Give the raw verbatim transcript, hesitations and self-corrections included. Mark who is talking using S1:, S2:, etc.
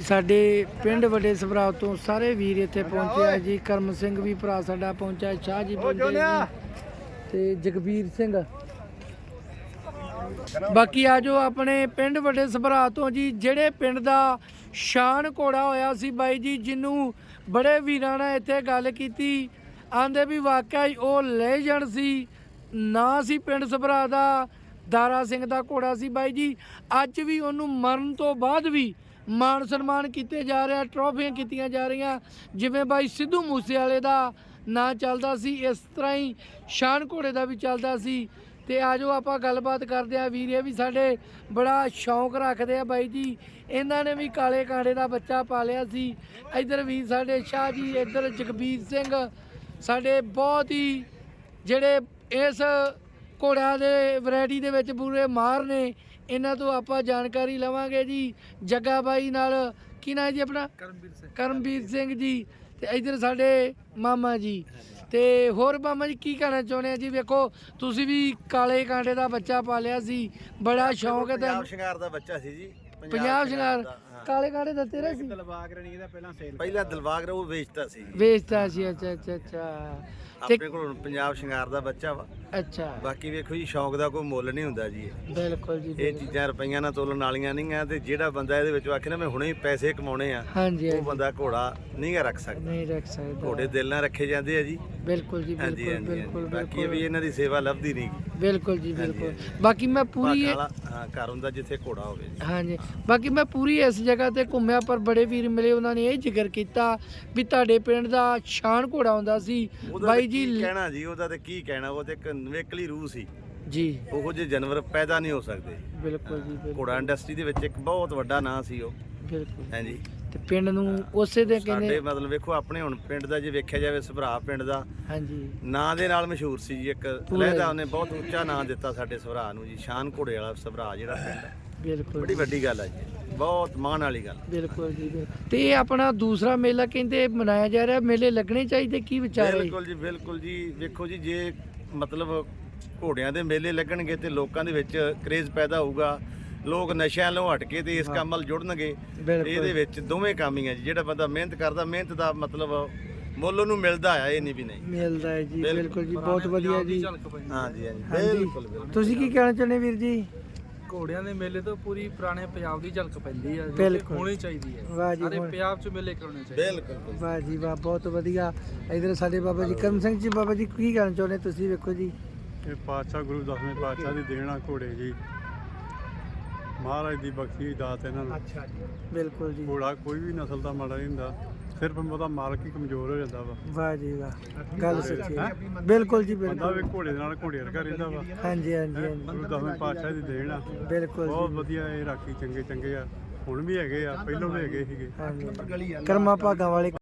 S1: ਸਾਡੇ ਪਿੰਡ ਵੱਡੇ ਸਭਰਾ ਤੋਂ ਸਾਰੇ ਵੀਰ ਇੱਥੇ ਪਹੁੰਚੇ ਆ ਜੀ। ਕਰਮ ਸਿੰਘ ਵੀ ਭਰਾ ਸਾਡਾ ਪਹੁੰਚਿਆ, ਸ਼ਾਹ ਜੀ ਪਹੁੰਚੇ ਜੀ ਤੇ ਜਗਬੀਰ ਸਿੰਘ। ਬਾਕੀ ਆ ਜੋ ਆਪਣੇ ਪਿੰਡ ਵੱਡੇ ਸਭਰਾ ਤੋਂ ਜੀ, ਜਿਹੜੇ ਪਿੰਡ ਦਾ ਸ਼ਾਨ ਘੋੜਾ ਹੋਇਆ ਸੀ ਬਾਈ ਜੀ, ਜਿਹਨੂੰ ਬੜੇ ਵੀਰਾਂ ਨੇ ਇੱਥੇ ਗੱਲ ਕੀਤੀ, ਆਂਦੇ ਵੀ ਵਾਕਿਆ ਹੀ ਉਹ ਲੈਜੈਂਡ ਸੀ। ਨਾਂ ਸੀ ਪਿੰਡ ਸਭਰਾ ਦਾ ਦਾਰਾ ਸਿੰਘ ਦਾ ਘੋੜਾ ਸੀ ਬਾਈ ਜੀ। ਅੱਜ ਵੀ ਉਹਨੂੰ ਮਰਨ ਤੋਂ ਬਾਅਦ ਵੀ ਮਾਣ ਸਨਮਾਨ ਕੀਤੇ ਜਾ ਰਿਹਾ, ਟਰੋਫੀਆਂ ਕੀਤੀਆਂ ਜਾ ਰਹੀਆਂ। ਜਿਵੇਂ ਬਾਈ ਸਿੱਧੂ ਮੂਸੇਵਾਲੇ ਦਾ ਨਾਂ ਚੱਲਦਾ ਸੀ, ਇਸ ਤਰ੍ਹਾਂ ਹੀ ਸ਼ਾਨ ਘੋੜੇ ਦਾ ਵੀ ਚੱਲਦਾ ਸੀ। ਤੇ ਆ ਜਾਓ ਆਪਾਂ ਗੱਲਬਾਤ ਕਰਦੇ ਆ। ਵੀਰ ਇਹ ਵੀ ਸਾਡੇ ਬੜਾ ਸ਼ੌਂਕ ਰੱਖਦੇ ਆ ਬਾਈ ਜੀ, ਇਹਨਾਂ ਨੇ ਵੀ ਕਾਲੇ ਕਾਂਡੇ ਦਾ ਬੱਚਾ ਪਾਲਿਆ ਸੀ। ਇੱਧਰ ਵੀ ਸਾਡੇ ਸ਼ਾਹ ਜੀ, ਇੱਧਰ ਜਗਬੀਰ ਸਿੰਘ, ਸਾਡੇ ਬਹੁਤ ਹੀ ਜਿਹੜੇ ਇਸ ਘੋੜਿਆਂ ਦੇ ਵੈਰਾਈਟੀ ਦੇ ਵਿੱਚ ਪੂਰੇ ਮਾਹਰ ਨੇ। ਇਹਨਾਂ ਤੋਂ ਆਪਾਂ ਜਾਣਕਾਰੀ ਲਵਾਂਗੇ ਜੀ ਜੱਗਾ ਬਾਈ ਨਾਲ। ਕੀ ਨਾਂ ਜੀ ਆਪਣਾ? ਕਰਮਵੀਰ ਸਿੰਘ। ਕਰਮਵੀਰ ਸਿੰਘ ਜੀ। ਤੇ ਇੱਧਰ ਸਾਡੇ ਮਾਮਾ ਜੀ। ਤੇ ਹੋਰ ਮਾਮਾ ਜੀ ਕੀ ਕਹਿਣਾ ਚਾਹੁੰਦੇ ਆ ਜੀ? ਵੇਖੋ ਤੁਸੀਂ ਵੀ ਕਾਲੇ ਕਾਂਡੇ ਦਾ ਬੱਚਾ ਪਾਲਿਆ ਸੀ, ਬੜਾ ਸ਼ੌਂਕ ਹੈ।
S2: ਪੰਜਾਬ ਸ਼ਿੰਗਾਰ ਦਾ ਬੱਚਾ ਸੀ ਜੀ।
S1: ਪੰਜਾਬ ਸ਼ਿੰਗਾਰ ਕਾਲੇ ਕਾਂਡੇ ਦਾ ਤੇਰਾ ਸੀ?
S2: ਦਿਲਬਾਗ ਰਣੀ ਦਾ ਪਹਿਲਾਂ ਸੇਲ ਪਹਿਲਾਂ ਦਿਲਬਾਗ ਰ ਉਹ ਵੇਚਤਾ ਸੀ
S1: ਵੇਚਤਾ ਸੀ। ਅੱਛਾ ਅੱਛਾ ਅੱਛਾ।
S2: ਆਪਣੇ ਕੋਲ ਪੰਜਾਬ ਸ਼ਿੰਗਾਰ ਦਾ ਬੱਚਾ ਵਾ।
S1: ਅੱਛਾ।
S2: ਬਾਕੀ ਵੇਖੋ ਜੀ, ਸ਼ੌਂਕ ਦਾ ਕੋਈ ਮੁੱਲ ਨਹੀਂ ਹੁੰਦਾ ਜੀ।
S1: ਬਿਲਕੁਲ ਜੀ।
S2: ਇਹ ਚੀਜ਼ਾਂ ਰੁਪਈਆਂ ਨਾਲ ਤੋਲਣ ਵਾਲੀਆਂ ਨਹੀਂ ਆ। ਤੇ ਜਿਹੜਾ ਬੰਦਾ ਇਹਦੇ ਵਿੱਚ ਆਖੇ ਨਾ ਮੈਂ ਹੁਣੇ ਹੀ ਪੈਸੇ ਕਮਾਉਣੇ ਆ,
S1: ਹਾਂਜੀ,
S2: ਉਹ ਬੰਦਾ ਘੋੜਾ ਨਹੀਂ ਗਾ ਰੱਖ ਸਕਦਾ।
S1: ਨਹੀਂ ਰੱਖ ਸਕਦਾ।
S2: ਘੋੜੇ ਦਿਲ ਨਾਲ ਰੱਖੇ ਜਾਂਦੇ ਆ ਜੀ।
S1: ਬਿਲਕੁਲ ਜੀ। ਬਿਲਕੁਲ ਬਿਲਕੁਲ।
S2: ਬਾਕੀ ਵੀ ਇਹਨਾਂ ਦੀ ਸੇਵਾ ਲੱਭਦੀ ਨਹੀਂ।
S1: ਬਿਲਕੁਲ ਜੀ ਬਿਲਕੁਲ। ਬਾਕੀ ਮੈਂ ਪੂਰੀ
S2: ਹਾਂ ਘਰ ਹੁੰਦਾ ਜਿੱਥੇ ਘੋੜਾ ਹੋਵੇ।
S1: ਹਾਂਜੀ। ਬਾਕੀ ਮੈਂ ਪੂਰੀ ਇਸ ਜਗ੍ਹਾ ਤੇ ਘੁੰਮਿਆ, ਪਰ ਬੜੇ ਵੀਰ ਮਿਲੇ, ਉਹਨਾਂ ਨੇ ਇਹ ਜ਼ਿਕਰ ਕੀਤਾ ਵੀ ਤੁਹਾਡੇ ਪਿੰਡ ਦਾ ਸ਼ਾਨ ਘੋੜਾ ਹੁੰਦਾ ਸੀ ਬਾਈ ਜੀ।
S2: ਕਹਿਣਾ ਜੀ ਉਹਦਾ ਤੇ ਕੀ ਕਹਿਣਾ, ਉਹ ਤੇ ਇੱਕ ਨਵੇਕਲੀ ਰੂਹ ਸੀ
S1: ਜੀ।
S2: ਉਹੋ ਜਿਹੇ ਜਾਨਵਰ ਪੈਦਾ ਨਹੀਂ ਹੋ ਸਕਦੇ।
S1: ਬਿਲਕੁਲ ਜੀ।
S2: ਘੋੜਾ ਇੰਡਸਟਰੀ ਦੇ ਵਿੱਚ ਇੱਕ ਬਹੁਤ ਵੱਡਾ ਨਾਂ ਸੀ ਉਹ।
S1: ਬਿਲਕੁਲ।
S2: ਹਾਂਜੀ।
S1: ਤੇ ਪਿੰਡ ਨੂੰ ਉਸੇ ਦੇ ਕਹਿੰਦੇ
S2: ਸਾਡੇ ਮਤਲਬ ਵੇਖੋ ਆਪਣੇ ਹੁਣ ਪਿੰਡ ਦਾ ਜੇ ਵੇਖਿਆ ਜਾਵੇ, ਸਭਰਾ ਪਿੰਡ ਦਾ
S1: ਹਾਂਜੀ
S2: ਨਾਂ ਦੇ ਨਾਲ ਮਸ਼ਹੂਰ ਸੀ ਜੀ। ਇੱਕ ਲਹਿਦਾ ਉਹਨੇ ਬਹੁਤ ਉੱਚਾ ਨਾਂ ਦਿੱਤਾ ਸਾਡੇ ਸਭਰਾ ਨੂੰ ਜੀ। ਸ਼ਾਨ ਘੋੜੇ ਵਾਲਾ ਸਭਰਾ ਜਿਹੜਾ ਪਿੰਡ ਹੈ,
S1: ਬਿਲਕੁਲ
S2: ਬੜੀ ਵੱਡੀ ਗੱਲ ਹੈ ਜੀ, ਬਹੁਤ ਮਾਣ ਵਾਲੀ ਗੱਲ।
S1: ਬਿਲਕੁਲ ਜੀ। ਤੇ ਇਹ ਆਪਣਾ ਦੂਸਰਾ ਮੇਲਾ ਕਹਿੰਦੇ ਮਨਾਇਆ ਜਾ ਰਿਹਾ, ਮੇਲੇ ਲੱਗਣੇ ਚਾਹੀਦੇ, ਕੀ ਵਿਚਾਰ ਹੈ?
S2: ਬਿਲਕੁਲ ਜੀ ਬਿਲਕੁਲ ਜੀ। ਵੇਖੋ ਜੀ, ਜੇ ਮਤਲਬ ਘੋੜਿਆਂ ਦੇ ਮੇਲੇ ਲੱਗਣਗੇ ਤੇ ਲੋਕਾਂ ਦੇ ਵਿੱਚ ਕਰੇਜ਼ ਪੈਦਾ ਹੋਊਗਾ, ਲੋਕ ਨਸ਼ਿਆਂ ਤੋਂ ਹਟ ਕੇ ਤੇ ਇਸ ਕੰਮ ਵੱਲ ਜੁੜਨਗੇ। ਇਹਦੇ ਵਿੱਚ ਦੋਵੇਂ ਕੰਮ ਹੀ ਆ ਜੀ। ਜਿਹੜਾ ਬੰਦਾ ਮਿਹਨਤ ਕਰਦਾ, ਮਿਹਨਤ ਦਾ ਮਤਲਬ ਮੁੱਲ ਉਹਨੂੰ ਮਿਲਦਾ ਆ, ਇਹ ਨਹੀਂ ਵੀ ਨਹੀਂ
S1: ਮਿਲਦਾ ਹੈ ਜੀ। ਬਿਲਕੁਲ ਜੀ, ਬਹੁਤ ਵਧੀਆ ਜੀ।
S2: ਹਾਂਜੀ ਹਾਂਜੀ ਬਿਲਕੁਲ।
S1: ਤੁਸੀਂ ਕੀ ਕਹਿਣਾ ਚਾਹੁੰਦੇ ਵੀਰ ਜੀ?
S3: ਘੋੜਿਆਂ ਦੇ ਮੇਲੇ ਤੋਂ ਪੂਰੀ ਪੁਰਾਣੇ ਪੰਜਾਬ ਦੀ ਝਲਕ ਪੈਂਦੀ ਆ,
S1: ਬਿਲਕੁਲ
S3: ਹੋਣੀ ਚਾਹੀਦੀ ਹੈ।
S1: ਵਾਹ ਜੀ।
S3: ਸਾਰੇ ਪੰਜਾਬ 'ਚ ਮੇਲੇ ਕਰਾਉਣੇ ਚਾਹੀਦੇ।
S2: ਬਿਲਕੁਲ
S1: ਵਾਹ ਜੀ ਵਾਹ, ਬਹੁਤ ਵਧੀਆ। ਇਧਰ ਸਾਡੇ ਬਾਬਾ ਜੀ ਕਰਮ ਸਿੰਘ ਜੀ। ਬਾਬਾ ਜੀ ਕੀ ਕਹਿਣਾ ਚਾਹੁੰਦੇ ਤੁਸੀਂ? ਵੇਖੋ ਜੀ,
S4: ਇਹ ਪਾਤਸ਼ਾਹ ਗੁਰੂ ਦਸਵੇਂ ਪਾਤਸ਼ਾਹ ਦੀ ਦੇਣ ਆ ਘੋੜੇ ਜੀ, ਮਹਾਰਾਜ ਦੀ ਬਖਸ਼ੀ ਦਾਤ ਇਹਨਾਂ ਨੂੰ।
S1: ਅੱਛਾ ਜੀ। ਬਿਲਕੁਲ ਜੀ।
S4: ਘੋੜਾ ਕੋਈ ਵੀ ਨਸਲ ਦਾ ਮਾੜਾ ਨਹੀਂ ਹੁੰਦਾ, ਸਿਰਫ ਉਹਦਾ ਮਾਲਕ ਹੀ ਕਮਜ਼ੋਰ ਹੋ ਜਾਂਦਾ ਵਾ।
S1: ਵਾਹ ਜੀ ਵਾਹ, ਗੱਲ ਸੱਚੀ ਹੈ। ਬਿਲਕੁਲ ਜੀ
S4: ਬੰਦਾ
S1: ਬਿਲਕੁਲ।
S4: ਵੀ ਘੋੜੇ ਦੇ ਨਾਲ ਘੋੜੇ ਵਰਗਾ ਰਹਿੰਦਾ ਵਾ।
S1: ਹਾਂਜੀ ਹਾਂਜੀ ਹਾਂਜੀ।
S4: ਗੁਰੂ ਦਸਵੇਂ ਪਾਤਸ਼ਾਹ ਦੀ ਦੇਣ ਆ।
S1: ਬਿਲਕੁਲ
S4: ਬਹੁਤ
S1: ਜੀ।
S4: ਵਧੀਆ ਇਹ ਰਾਖੀ ਚੰਗੇ ਚੰਗੇ ਆ, ਹੁਣ ਵੀ ਹੈਗੇ ਆ, ਪਹਿਲਾਂ ਵੀ ਹੈਗੇ ਸੀਗੇ।
S1: ਹਾਂਜੀ। ਕਰਮਾਂ ਭਾਗਾਂ ਵਾਲੇ